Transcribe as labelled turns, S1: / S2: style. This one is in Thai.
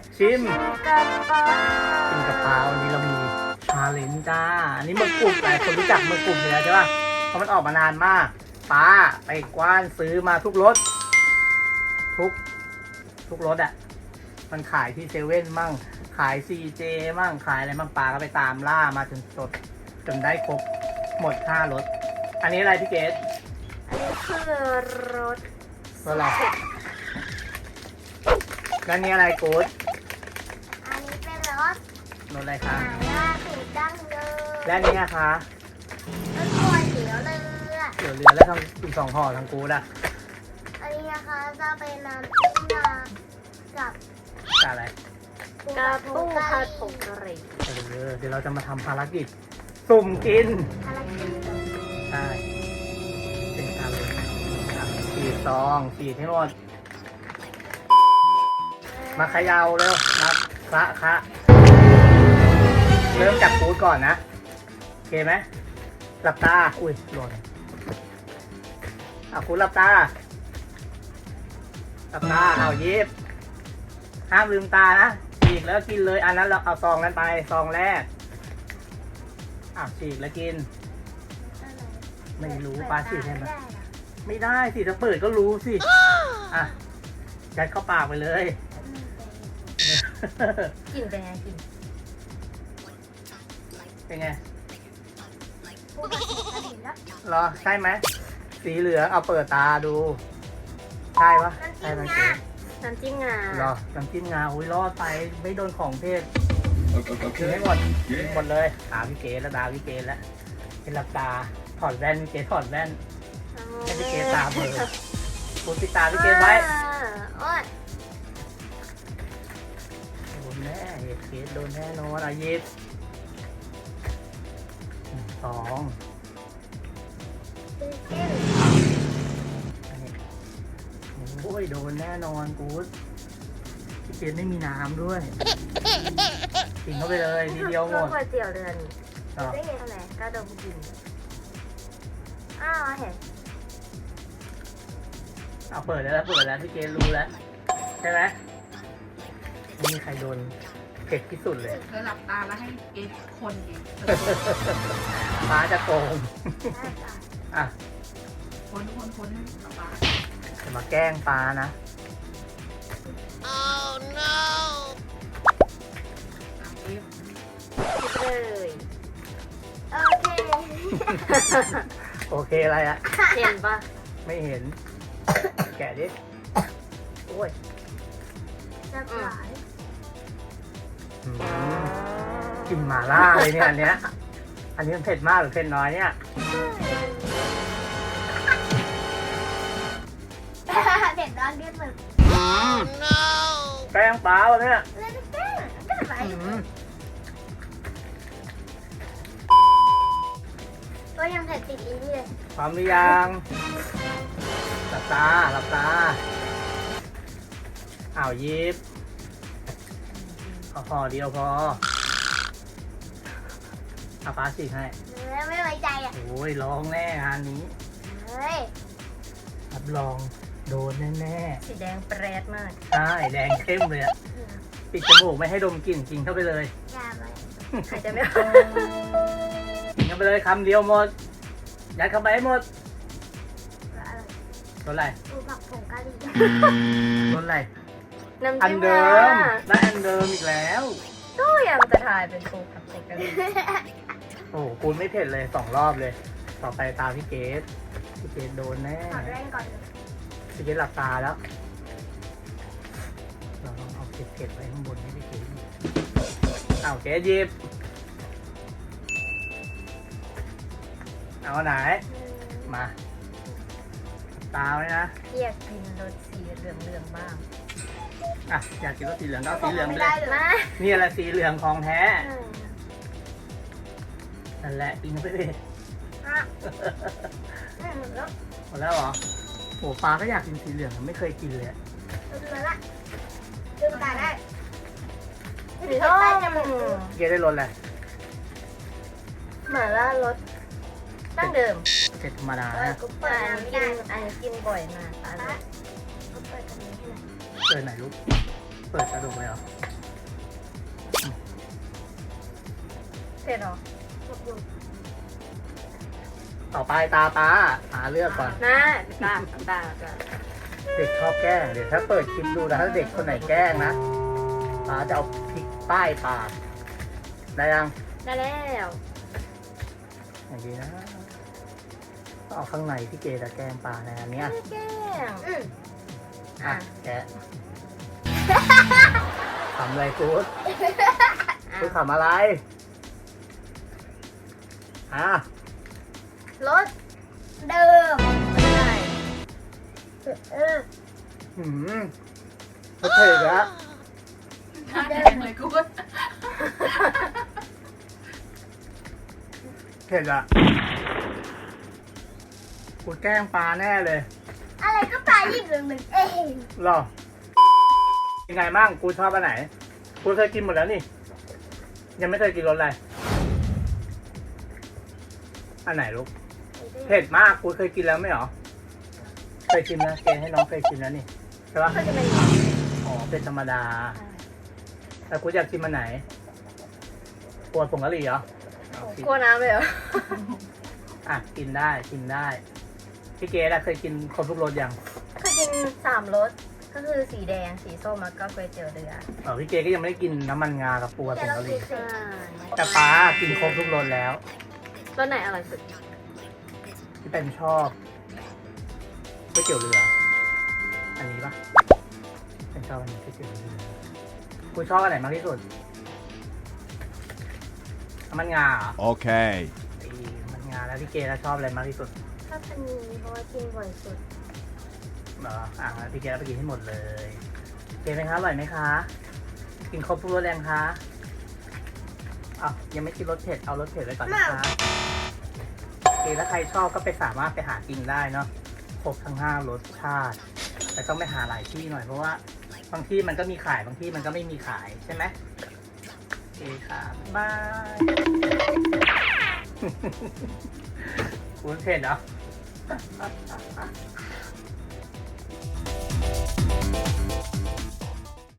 S1: ชิม
S2: กับปลา
S1: กินกับปลาวันนี้เรามีชาเลนจ์จ้า อันนี้หมึกกรุบหลายคนรู้จักหมึกกรุบอยู่แล้วใช่ป่ะ เพราะมันออกมานานมากป้าไปกว้านซื้อมาทุกรสทุกรสอ่ะ มันขายที่เซเว่นมั่ง ขายซีเจมั่ง ขายอะไรมั่งปลาก็ไปตามล่ามาจนได้ครบหมด5รส อันนี้อะไรพี่เกด
S2: อันนี้คือรส
S1: รสอะไรแล้วนี่อะไรกูด
S2: อันนี้เป็นรส
S1: รสอะไร
S2: ห
S1: คะ
S2: ม่าล่าสูตรดั้งเดิม
S1: และนี่นะคะ
S2: รสก๋วยเตี๋ยวเรือ
S1: เดี๋ยวเรือแล้วทั้งอีก2ห่อทั้งกูดอ่ะ
S2: อันนี้นะคะจะเป็นน้ำจิ้มนากับ
S1: กับอะไร
S2: กระปูผัดผงกะหรี่
S1: เดี๋ยวเราจะมาทำภารกิจสุ่มกิน
S2: อะไรกิน
S1: ใช่ เป็นการเลยฉีดซองฉีดให้หมด มาเขย่าเร็วมาคะเริ่มจากกูดก่อนนะ โอเคไหมหลับตา อุ้ยหล่นกูดหลับตา หลับตา เอายิบ ห้ามลืมตานะ ฉีกแล้วกินเลย อันนั้นเราเอาซองนั้นไปซองแรกฉีกแล้วกิน ไม่รู้ปลาฉีกให้มันไม่ได้สิถ้าเปิดก็รู้สิ ยัดเข้าปากไปเลย
S2: กินเป็นไงกิน
S1: เป็นไง
S2: ปูผัดผงกะหรี่แล้ว
S1: เหรอ ใช่ไหม สีเหลืองเอาเปิดตาดู ใช่ปะใช่ไหมเก๋
S2: น้ำจิ้มงา
S1: เหรอน้ำจิ้มงาอุ้ยรอดไปไม่โดนของเทศกินให้หมดกินหมดเลยตาพี่เก๋แล้วตาพี่เก๋แล้วเป็นหลับตาถอดแว่นพี่เก๋ถอดแว่นให้พี่เก๋ตาเบลอปูปิดตาพี่เก๋ไว้
S2: โอ๊ย
S1: โดนแน่เก๋โดนแน่นอนยิบ2 โอ้ยโดนแน่นอนกู๊ดพี่เก๋ไม่มีน้ำด้วยกินเข้าไปเลยทีเดียวหมด
S2: ก๋วยเตี๋ยวเรือนี่
S1: ต่อ
S2: ได้ไงทำไมก็โดนกินอ้าวเห็น
S1: เอาเปิดแล้วพี่เก๋รู้แล้วใช่ไหมไม่มีใครโดนเผ็ดที่สุดเลย
S3: เธอหลับตาแล้วให้เอ็กคนเอง
S1: ฟ้าจะโกงอ่ะ
S3: คนให้หลับตา
S1: จะมาแกล้งฟ้านะ
S3: เอ็ก
S2: คิดเลยโอเค
S1: โอเคอะไรอะ
S2: เห็นปะ
S1: ไม่เห็น แกะดิโอ้ย
S2: จะหลาย
S1: อืมกลินหม่าล่าเลยเนี่ยอันเนี้ยมันเผ็ดมากหรือเผ็ดน้อยเนี่ย
S2: เด็ดร้อนเรียบมือ
S1: แกล้งฟ้าวะเนี่ย
S2: เล่นแก้ก็ไหลก็ยังเผ็ดติดอีกเลย
S1: พร้อมหรือยังหลับตายิบพอเดียวพอฟ้าฉีกให้
S2: ไม่ไว้ใจอ่ะ
S1: โอ้ยร้องแน่งานนี้
S2: เฮ้ย
S1: รับรองโดนแน่
S2: สีแดงแปรดมาก
S1: ๆใช่แดงเข้มเลยอะปิดจมูกไม่ให้ดมกลิ่นกินเข้าไปเลย
S2: อย่าไปใครจะไม่
S1: กินเข้าไปเลยคำเดียวหมดยัดเข้าไปให้หมดรสอะไร
S2: ปูผักผงกะหรี่
S1: รสอะไร
S2: น้ำ
S1: อัน
S2: จิ้ม
S1: เดิม
S2: งา
S1: ได้อันเดิมอีกแล้ว
S2: ก็ยังจะถ่ายเป็นปูผัดผงกะหรี่
S1: โอ้โหคุณไม่เผ็ดเลย2 รอบเลย ต่อไปตามพี่เกดโดนแน่
S2: ถอดแว่นก่อน
S1: พี่เกดหลับตาแล้ว เราลองเอาเผ็ดๆไว้ข้างบนให้พี่เกดเกดหยิบ เอาไหน มาตาไว้นะ
S2: อยากกินรสสีเหลืองๆบ้าง
S1: อยากกินรสสีเหลืองก็เอาสีเหลืองไปเลย
S2: มา
S1: นี่อะไรสีเหลืองของแท้ นั่นแหละกินเข้าไปเลย
S2: แล้ว
S1: หมดแล้วเหรอโหปลาก็อยากกินสีเหลืองไม่เคยกินเลยอะ
S2: มาละลืมตาได้สีส้ม
S1: เกดได้รสอะไร
S2: หมาล่ารสดั้งเดิม
S1: เผ็ดธรรมดานะ
S2: กูเปิดอันนี้กินบ่อยมากอะไรเปิดกันนี้ให้หน่อย
S1: เปิดไหนลูกเปิดกระดูกเลยเหรอ
S2: เผ็ดเหรอ
S1: ต่อไปตาป้าหาเลือกก่อน
S2: นะตา
S1: เด็กชอบแกล้ง เดี๋ยวถ้าเปิดคลิปดูนะถ้าเด็กคนไหนแกล้งนะป้าจะเอาพริกป้ายปากได้ยัง
S2: ได้แล้ว
S1: อย่างนี้นะต้องเอาข้างในที่เกจะแกล้งปลาในอันเนี้ย
S2: แกง
S1: อ่ะแกะทำอะไรกูดกูทำอะไรอ่ะ
S2: รสเดิมไม่ได้
S1: หืมก็เถิดละ
S3: น่าแดงเลยกูด
S1: เถิดละกูแกล้งปลาแน่เลย
S2: อะไรก็ปลายิ่งหนึ่งเอง
S1: หรอยังไงมั่งกูชอบอันไหนกูเคยกินหมดแล้วนี่ ยังไม่เคยกินรสอะไรอันไหนลูกเผ็ดมากกูเคยกินแล้วไม่หรอเคยกินนะเกณฑ์ให้น้องเคยกินแล้วนี่ใช่ปะ
S2: ก็จะเป็น
S1: อ๋อเป็นธรรมดาแต่กูอยากกินมันไหนกลัวผงกะหรี่เหรอเอาสิ
S2: กลัวน้ำเลยเหรอ
S1: อ่ะกินได้กินได้พี่เกดอะเคยกินครบทุกรสยัง
S2: เคยกิน3 รสก็คือสีแดงสีส้มแล้วก็ก๋วยเตี๋ยวเรือ
S1: พี่เกดก็ยังไม่ได้กินน้ำมันงากับปูผงกะหรี่
S2: ใช่
S1: แต่ป้ากินครบทุกรสแล้ว
S2: รสไหนอร่อยสุด
S1: ที่เป็นชอบก๋วยเตี๋ยวเรือ อันนี้ปะเป็นชอบอันนี้ก๋วยเตี๋ยวเรือกูชอบอันไหนมากที่สุดน้ำมันงาเหรอ
S4: Okay.
S1: ไอ้น้ำมันงาแล้วพี่เกดแล้วชอบอะไรมากที่สุด
S2: ชอบอันนี้เพราะว่ากินบ่อยสุด
S1: เหรอพี่เกดเอาไปกินให้หมดเลยเกดไหมคะอร่อยไหมคะ กินครบทุกรสแรงคะอ้าวยังไม่กินรสเผ็ดเอารสเผ็ดไว้ก่อนนะคะโอเคถ้าใครชอบก็ไปสามารถไปหากินได้เนาะครบทั้ง5รสชาติ แต่ต้องไปหาหลายที่หน่อยเพราะว่าบางที่มันก็มีขายบางที่มันก็ไม่มีขายใช่ไหมโอเคค่ะบายคุณเผ็ดเหรอ